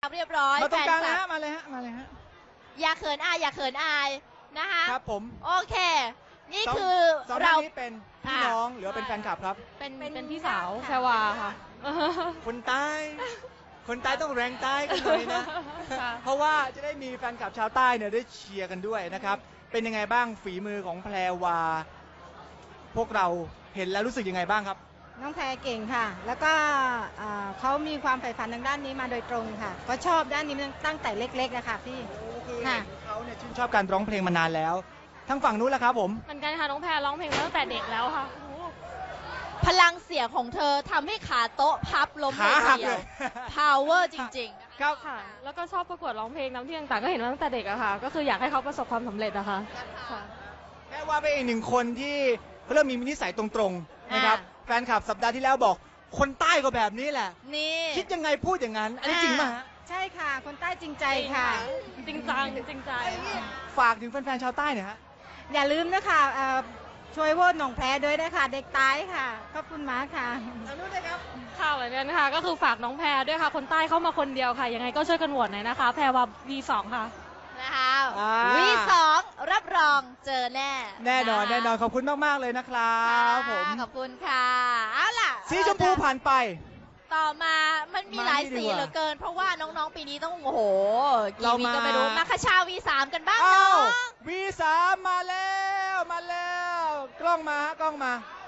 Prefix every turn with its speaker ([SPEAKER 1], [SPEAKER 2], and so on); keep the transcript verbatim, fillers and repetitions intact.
[SPEAKER 1] เรียบร้อย
[SPEAKER 2] มาตรงกลาง
[SPEAKER 1] แฟ
[SPEAKER 2] นะ
[SPEAKER 1] นค
[SPEAKER 2] ฮะ
[SPEAKER 1] ลับ
[SPEAKER 2] มาเลยฮะมาเลยฮะ
[SPEAKER 1] อย่าเขินอายอย่าเขินอายนะคะ
[SPEAKER 2] ครับผม
[SPEAKER 1] โอเค นี่
[SPEAKER 2] สง
[SPEAKER 1] คือ
[SPEAKER 2] สองท่
[SPEAKER 1] เรา
[SPEAKER 2] นนี้เป็นพี่น้องหรือว่าเป็นแฟนคลับครับ
[SPEAKER 1] เป็น
[SPEAKER 3] เป็น
[SPEAKER 1] เป็น
[SPEAKER 3] พี่
[SPEAKER 1] ญ
[SPEAKER 3] สาว
[SPEAKER 1] ติ
[SPEAKER 3] แพรวาค่ะ
[SPEAKER 2] คนใต้ คนใต้ต้องแรงใต้กันหน่อยนะ
[SPEAKER 3] ค่ะ
[SPEAKER 2] เพราะว่าจะได้มีแฟนคลับชาวใต้เนี่ยได้เชียร์กันด้วยนะครับ เป็นยังไงบ้างฝีมือของแพรวา พวกเราเห็นแล้วรู้สึกยังไงบ้างครับ
[SPEAKER 4] น้องแพรเก่งค่ะ แล้วก็อ่าเขามีความใฝ่ฝันทางด้านนี้มาโดยตรงค่ะ ก็ชอบด้านนี้ตั้งแต่เล็กๆนะคะพี่
[SPEAKER 2] คือ
[SPEAKER 4] ค่ะ
[SPEAKER 2] เห็นเขาเนี่ยชื่นชอบการร้องเพลงมานานแล้ว ทั้งฝั่งนู้นแหละครับผม
[SPEAKER 3] เหมือนกันค่ะน้องแพรร้องเพลงมาตั้งแต่เด็กแล้วค่ะ
[SPEAKER 1] พลังเสียงของเธอทำให้ขาโต๊ะพับล้ม
[SPEAKER 2] ขา
[SPEAKER 1] เลย
[SPEAKER 2] หัก
[SPEAKER 1] ทีเดี
[SPEAKER 2] เลย
[SPEAKER 1] วย power จริงๆ
[SPEAKER 2] ครับ
[SPEAKER 3] ค่ะ แล้วก็ชอบประกวดร้องเพลงน้ำที่ต่างๆก็เห็นมาตั้งแต่เด็กอะค่ะ ก็คืออยากให้เขาประสบความสำเร็จอะค่ะค่ะ
[SPEAKER 2] แม่ว่าเป็นอีกหนึ่งคนที่เริ่มมีนิสัยตรงๆนะครับ แฟนคลับสัปดาห์ที่แล้วบอก คนใต้ก็แบบนี้แหละ
[SPEAKER 1] นี่
[SPEAKER 2] คิดยังไงพูดอย่างนั้น อันนี้จริงป่ะฮะ
[SPEAKER 4] ใช่ค่ะ คนใต้จริงใจค่ะ
[SPEAKER 3] จริงจังจริงใจค่ะ
[SPEAKER 2] ฝากถึงแฟนๆชาวใต้หน่อยฮะ
[SPEAKER 4] อย่าลืมนะคะเอ่อช่วยโหวตหนองแพรด้วยนะคะ เด็กตายค่ะ ขอบคุณมากค่ะ
[SPEAKER 2] ทางนู้นเลยครับ
[SPEAKER 3] ค่ะเหมือนกันค่ะ ก็คือฝากน้องแพรด้วยค่ะ คนใต้เข้ามาคนเดียวค่ะ ยังไงก็ช่วยกันโหวตหน่อยนะคะ แพรว่า วี สอง ค่ะ
[SPEAKER 1] นะคะ
[SPEAKER 2] อ่า
[SPEAKER 1] วีสองรับรองเจอแน่
[SPEAKER 2] แน่นอน
[SPEAKER 1] ะคะ
[SPEAKER 2] แน่นอนขอบคุณมากๆเลยนะครับ
[SPEAKER 1] ค่ะ
[SPEAKER 2] ผม
[SPEAKER 1] ขอบคุณค่ะ เอาล่ะ
[SPEAKER 2] สีชมพูผ่านไป
[SPEAKER 1] ต่อมามันมี
[SPEAKER 2] มา
[SPEAKER 1] หลาย
[SPEAKER 2] นี่ดี
[SPEAKER 1] สี
[SPEAKER 2] กว่า
[SPEAKER 1] เหลือเกิน เพราะว่าน้องๆปีนี้ต้องโอ้โห
[SPEAKER 2] เรา
[SPEAKER 1] กี่วี
[SPEAKER 2] มา
[SPEAKER 1] ก็ไม่รู้ มาคาชา วี สาม กันบ้าง
[SPEAKER 2] อ้า
[SPEAKER 1] เนาะ
[SPEAKER 2] ว วี สาม มาแล้ว มาแล้ว กล้องมาฮะกล้องมา